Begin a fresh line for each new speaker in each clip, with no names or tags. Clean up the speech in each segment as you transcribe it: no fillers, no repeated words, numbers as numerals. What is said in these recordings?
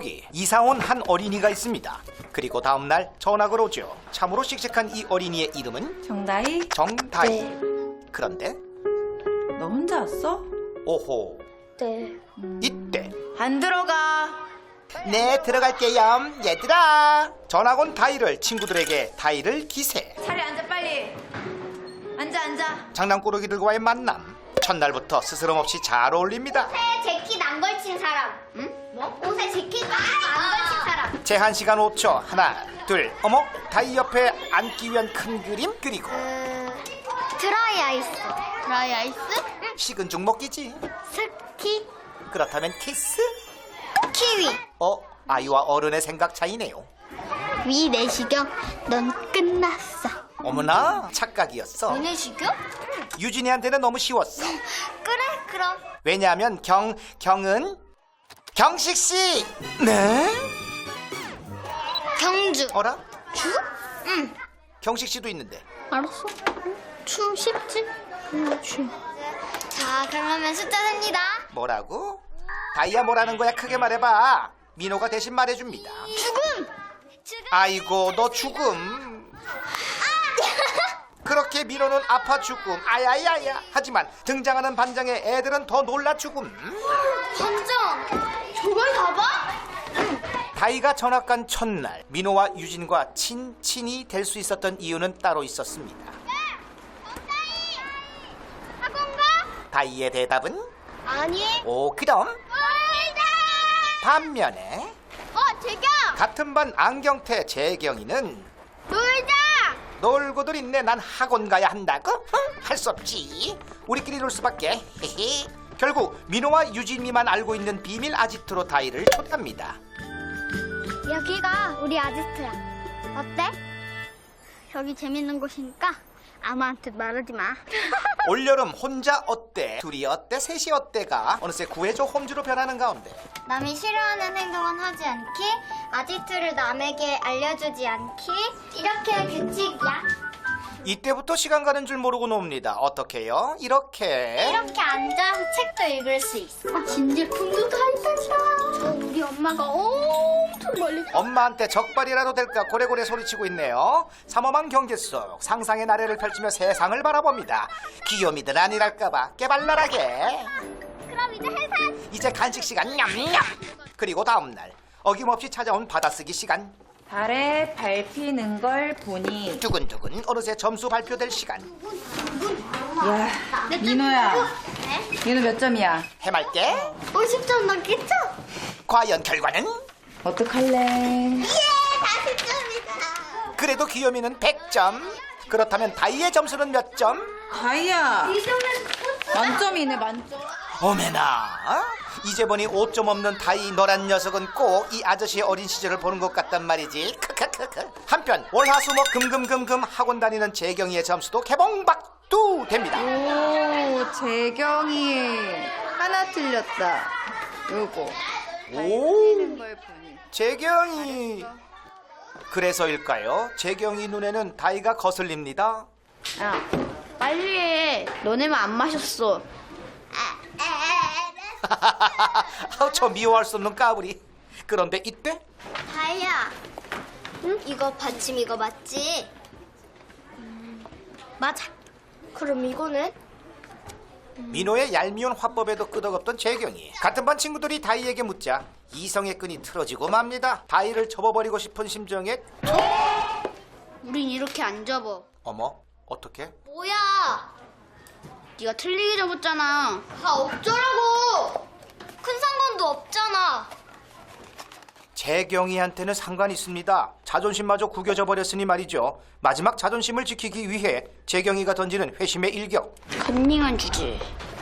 거기 이사 온 한 어린이가 있습니다. 그리고 다음날 전학을 오죠. 참으로 씩씩한 이 어린이의 이름은
정다희?
정다희. 그런데
너 혼자 왔어?
오호,
네.
이때
안 들어가.
네, 들어갈게요 얘들아. 전학 온 다희를 친구들에게 다희를 기세.
자리 앉아 빨리. 앉아.
장난꾸러기들과의 만남. 첫날부터 스스럼없이 잘 어울립니다.
옷에 재킷 안 걸친 사람. 응? 뭐? 옷에 재킷 안 걸친 사람.
제한 시간 5초. 하나, 둘. 어머, 다희 옆에 앉기 위한 큰 그림 그리고
드라이 아이스. 드라이 아이스?
식은 죽 먹기지.
스키.
그렇다면 키스?
키위.
아이와 어른의 생각 차이네요.
위 내시경. 넌 끝났어.
어머나, 착각이었어.
내시경?
유진이한테는 너무 쉬웠어.
그래 그럼.
왜냐하면 경은 경식 씨. 네?
경주.
어라?
주? 응.
경식 씨도 있는데.
알았어. 추 쉽지? 추. 자 그러면 숫자 셉니다.
뭐라고? 다이아 뭐라는 거야? 크게 말해봐. 민호가 대신 말해줍니다.
죽음.
아이고, 너 죽음. 그렇게 민호는 아파 죽음. 아야야야. 하지만 등장하는 반장의 애들은 더 놀라 죽음.
반장. 저걸 다 봐?
다이가 전학 간 첫날 민호와 유진과 친친이 될 수 있었던 이유는 따로 있었습니다.
학원 가?
다이의 대답은
아니.
오, 그럼.
놀자.
반면에
재경.
같은 반 안경태 재경이는
놀자.
놀고들 있네. 난 학원 가야 한다고? 할 수 없지. 우리끼리 놀 수밖에. 헤헤. 결국 민호와 유진이만 알고 있는 비밀 아지트로 다이를 초대합니다.
여기가 우리 아지트야. 어때? 여기 재밌는 곳이니까 아무한테 말하지 마.
올여름 혼자 어때? 둘이 어때? 셋이 어때가 어느새 구해줘 홈즈로 변하는 가운데
남이 싫어하는 행동은 하지 않기, 아지트를 남에게 알려주지 않기, 이렇게 규칙이야.
이때부터 시간 가는 줄 모르고 놉니다. 어떻게요? 이렇게
이렇게 앉아서 책도 읽을 수 있어. 진제품도 다 있으시라. 저 우리 엄마가 엄청 멀리.
엄마한테 적발이라도 될까 고래고래 소리치고 있네요. 삼엄한 경계 속 상상의 나래를 펼치며 세상을 바라봅니다. 귀요미들 아니랄까봐 깨발랄하게.
그럼 이제 해산.
이제 간식 시간 냠냠. 그리고 다음날 어김없이 찾아온 받아쓰기 시간.
달에 밟히는 걸 보니.
두근두근 어느새 점수 발표될 시간.
야, 민호야.
네?
민호 몇 점이야?
해맑게
50점 넘겠죠?
과연 결과는?
어떡할래?
예, 40점이다.
그래도 귀요미는 100점. 그렇다면 다이의 점수는 몇 점?
다희야.
이 점은
만점이네, 만점.
어메나, 이제 보니 5점 없는 다이 너란 녀석은 꼭 이 아저씨의 어린 시절을 보는 것 같단 말이지. 크크크크. 한편 월화수목 금금금금 학원 다니는 재경이의 점수도 개봉박두 됩니다.
오, 재경이 하나 틀렸다. 요거.
오,
걸 보니.
재경이. 그래서일까요? 재경이 눈에는 다이가 거슬립니다.
야, 빨리 해. 너네만 안 마셨어.
아우, 저 미워할 수 없는 까불이. 그런데 이때
다이야. 응? 이거 받침 이거 맞지? 맞아. 그럼 이거는?
민호의 얄미운 화법에도 끄덕없던 재경이 같은 반 친구들이 다이에게 묻자 이성의 끈이 틀어지고 맙니다. 다이를 접어버리고 싶은 심정에
우린 이렇게 안 접어.
어머, 어떻게?
뭐야?
네가 틀리게 접었잖아.
다 어쩌라고? 큰 상관도 없잖아.
재경이한테는 상관이 있습니다. 자존심마저 구겨져 버렸으니 말이죠. 마지막 자존심을 지키기 위해 재경이가 던지는 회심의 일격.
컨닝한 주제.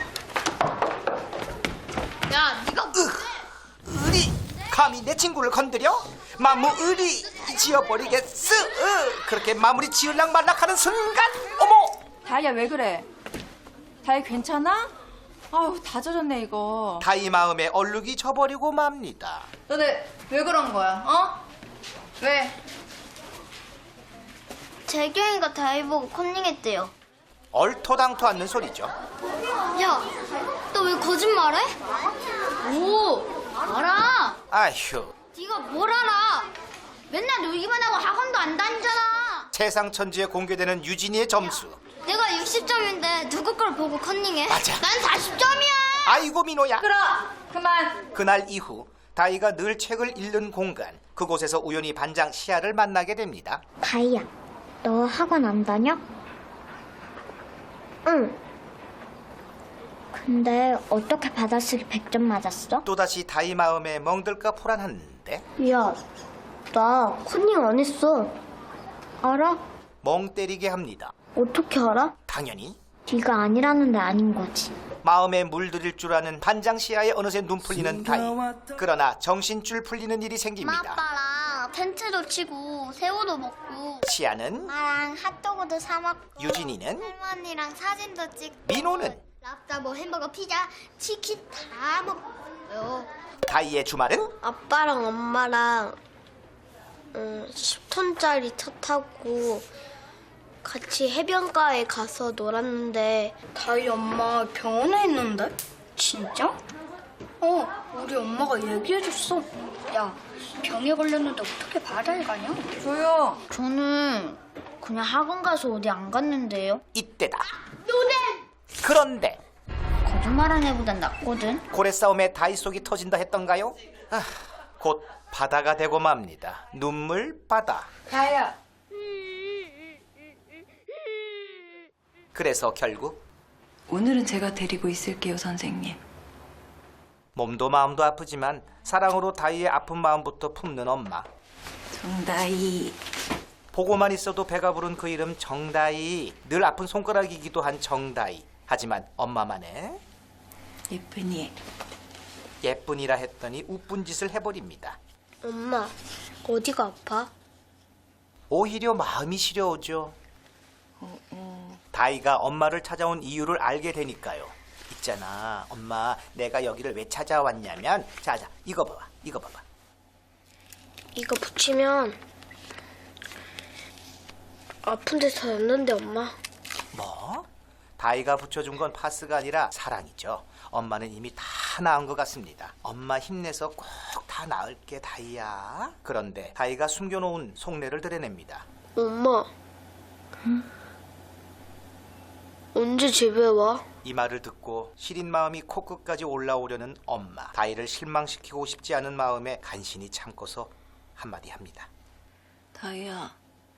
야, 네가
으리! 감히 내 친구를 건드려? 마무리 지어버리겠어. 그렇게 마무리 지을락 말락하는 순간 어머!
다희야, 왜 그래? 다희 괜찮아? 아우, 다 젖었네, 이거.
다이 마음에 얼룩이 져버리고 맙니다.
너네 왜 그런 거야, 어? 왜?
재경이가 다이 보고 컨닝했대요.
얼토당토 않는 소리죠.
야, 너 왜 거짓말해?
오, 알아.
아휴,
네가 뭘 알아? 맨날 놀기만 하고 학원도 안 다니잖아.
세상천지에 공개되는 유진이의 점수.
내가 60점인데 누구 걸 보고 컨닝해?
맞아.
난 40점이야.
아이고 민호야.
끌어! 그만!
그날 이후 다이가 늘 책을 읽는 공간, 그곳에서 우연히 반장 시아를 만나게 됩니다.
다이야, 너 학원 안 다녀? 응. 근데 어떻게 받아쓰기 100점 맞았어?
또다시 다이 마음에 멍들까 포란한데
야, 나 컨닝 안 했어. 알아?
멍 때리게 합니다.
어떻게 알아?
당연히
네가 아니라는데 아닌 거지.
마음에 물들일 줄 아는 반장 시아에 어느새 눈 풀리는 다이. 그러나 정신줄 풀리는 일이 생깁니다.
아빠랑 텐트도 치고 새우도 먹고
시아는,
엄마랑 핫도그도 사 먹고
유진이는,
할머니랑 사진도 찍고
민호는
랍스터 뭐 햄버거 피자 치킨 다 먹어요.
다이의 주말은
아빠랑 엄마랑 10톤짜리 차 타고 같이 해변가에 가서 놀았는데 다이 엄마 병원에 있는데? 진짜? 우리 엄마가 얘기해줬어. 야, 병에 걸렸는데 어떻게 바다에 가냐?
조용!
저는 그냥 학원 가서 어디 안 갔는데요.
이때다. 그런데
거짓말한 애보단 낫거든.
고래 싸움에 다이 속이 터진다 했던가요? 곧 바다가 되고 맙니다. 눈물 바다.
다이야!
그래서 결국
오늘은 제가 데리고 있을게요, 선생님.
몸도 마음도 아프지만 사랑으로 다이의 아픈 마음부터 품는 엄마.
정다이.
보고만 있어도 배가 부른 그 이름 정다이. 늘 아픈 손가락이기도 한 정다이. 하지만 엄마만의
예쁜이.
예쁜이라 했더니 우쁜 짓을 해버립니다.
엄마, 어디가 아파?
오히려 마음이 시려오죠. 다이가 엄마를 찾아온 이유를 알게 되니까요. 있잖아, 엄마, 내가 여기를 왜 찾아왔냐면, 자자, 이거 봐봐, 이거 봐봐.
이거 붙이면 아픈 데서 였는데 엄마.
뭐? 다이가 붙여준 건 파스가 아니라 사랑이죠. 엄마는 이미 다 나은 것 같습니다. 엄마 힘내서 꼭 다 나을게, 다이야. 그런데 다이가 숨겨놓은 속내를 드러냅니다.
엄마. 언제 집에 와?
이 말을 듣고 시린 마음이 코끝까지 올라오려는 엄마. 다이를 실망시키고 싶지 않은 마음에 간신히 참고서 한마디 합니다.
다이야.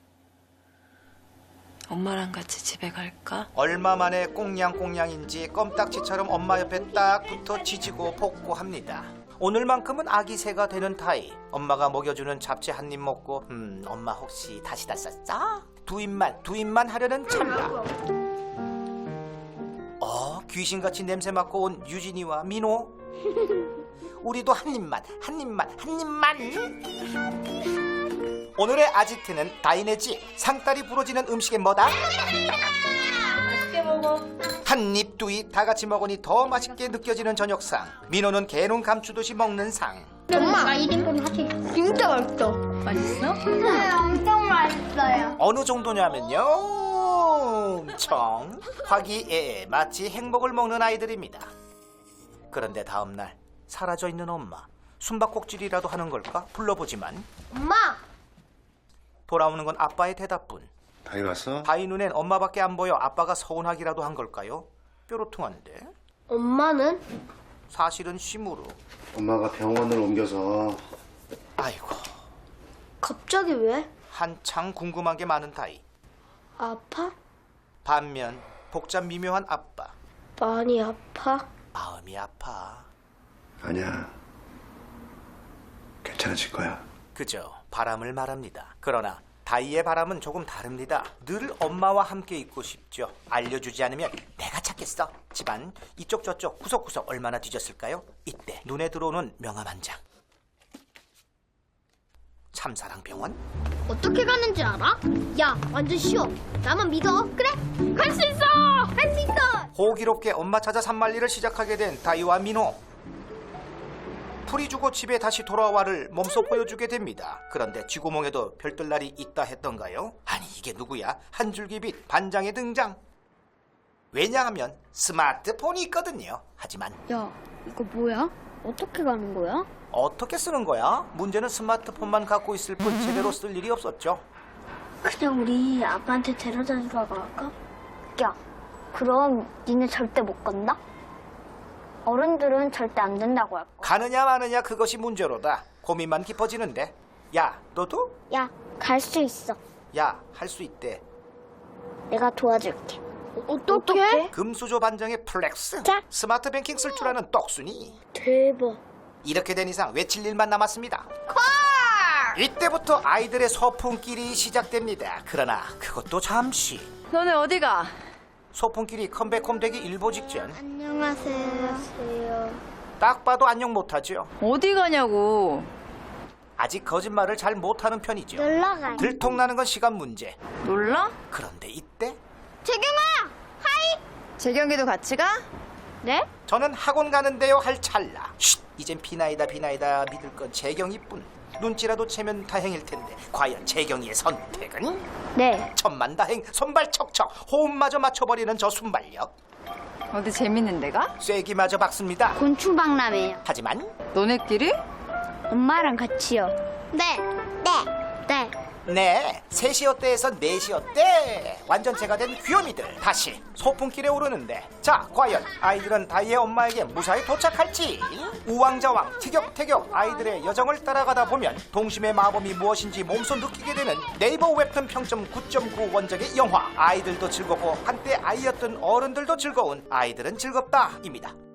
엄마랑 같이 집에 갈까?
얼마 만에 꽁냥꽁냥인지 껌딱지처럼 엄마 옆에 딱 붙어 지지고 복고합니다. 오늘만큼은 아기 새가 되는 다이. 엄마가 먹여주는 잡채 한 입 먹고 엄마 혹시 다시 다 쌌어? 두 입만 하려는 찰나. 귀신같이 냄새 맡고 온 유진이와 민호. 우리도 한 입만. 오늘의 아지트는 다이네 집. 상다리 부러지는 음식은 뭐다?
맛있게 먹어.
한 입, 두 입 다 같이 먹으니 더 맛있게 느껴지는 저녁상. 민호는 개눈 감추듯이 먹는 상.
엄마 1인분 하지.
진짜 맛있어.
맛있어?
네, 엄청 맛있어요.
어느 정도냐면요, 엄청 화기애애 마치 행복을 먹는 아이들입니다. 그런데 다음날 사라져 있는 엄마. 숨바꼭질이라도 하는 걸까? 불러보지만
엄마!
돌아오는 건 아빠의 대답뿐.
다이 왔어?
다이 눈엔 엄마밖에 안 보여 아빠가 서운하기라도 한 걸까요? 뾰로통한데.
엄마는?
사실은 심으로.
엄마가 병원을 옮겨서.
아이고,
갑자기 왜?
한창 궁금한 게 많은 다이.
아파?
반면 복잡 미묘한 아빠.
많이 아파?
마음이 아파.
아니야. 괜찮아질 거야.
그저 바람을 말합니다. 그러나 다이의 바람은 조금 다릅니다. 늘 엄마와 함께 있고 싶죠. 알려주지 않으면 내가 찾겠어. 집안 이쪽 저쪽 구석구석 얼마나 뒤졌을까요? 이때 눈에 들어오는 명함 한 장. 참사랑병원?
어떻게 가는지 알아? 야, 완전 쉬워. 나만 믿어. 그래? 갈 수 있어. 할 수 있어.
호기롭게 엄마 찾아 산만리를 시작하게 된 다이와 민호. 풀이 주고 집에 다시 돌아와를 몸소 보여주게 됩니다. 그런데 쥐구멍에도 별뜰날이 있다 했던가요? 아니 이게 누구야? 한 줄기빛 반장의 등장. 왜냐하면 스마트폰이 있거든요. 하지만
야, 이거 뭐야? 어떻게 가는 거야?
어떻게 쓰는 거야? 문제는 스마트폰만 갖고 있을 뿐 제대로 쓸 일이 없었죠.
그냥 우리 아빠한테 데려다 주라고 할까? 야, 그럼 니네 절대 못 간다? 어른들은 절대 안 된다고 할 거야.
가느냐 마느냐 그것이 문제로다. 고민만 깊어지는데. 야, 너도?
야, 갈 수 있어.
야, 할 수 있대.
내가 도와줄게. 어떻게?
금수저 반장의 플렉스.
자.
스마트 뱅킹 쓸 줄 아는 떡순이.
대박.
이렇게 된 이상 외칠 일만 남았습니다. 이때부터 아이들의 소풍길이 시작됩니다. 그러나 그것도 잠시.
너네 어디가?
소풍길이 컴백홈 되기 일보 직전.
안녕하세요.
딱 봐도 안녕 못하죠.
어디 가냐고.
아직 거짓말을 잘 못하는 편이죠.
놀러 가요.
들통나는 건 시간 문제.
놀라?
그런데 이때
재경아, 하이.
재경이도 같이 가?
네?
저는 학원 가는데요 할 찰나. 쉿, 이젠 비나이다 믿을 건 재경이뿐. 눈치라도 채면 다행일 텐데 과연 재경이의 선택은?
네.
천만다행, 손발 척척, 호흡마저 맞춰버리는 저 순발력.
어디 재밌는 데가?
쐐기마저 박습니다.
곤충박람회요.
하지만
너네끼리?
엄마랑 같이요.
네.
네.
네, 3시어때에서 4시어때 완전체가 된 귀요미들 다시 소풍길에 오르는데, 자 과연 아이들은 다이의 엄마에게 무사히 도착할지? 우왕좌왕 티격태격 아이들의 여정을 따라가다 보면 동심의 마법이 무엇인지 몸소 느끼게 되는 네이버 웹툰 평점 9.9 원작의 영화. 아이들도 즐겁고 한때 아이였던 어른들도 즐거운 아이들은 즐겁다입니다.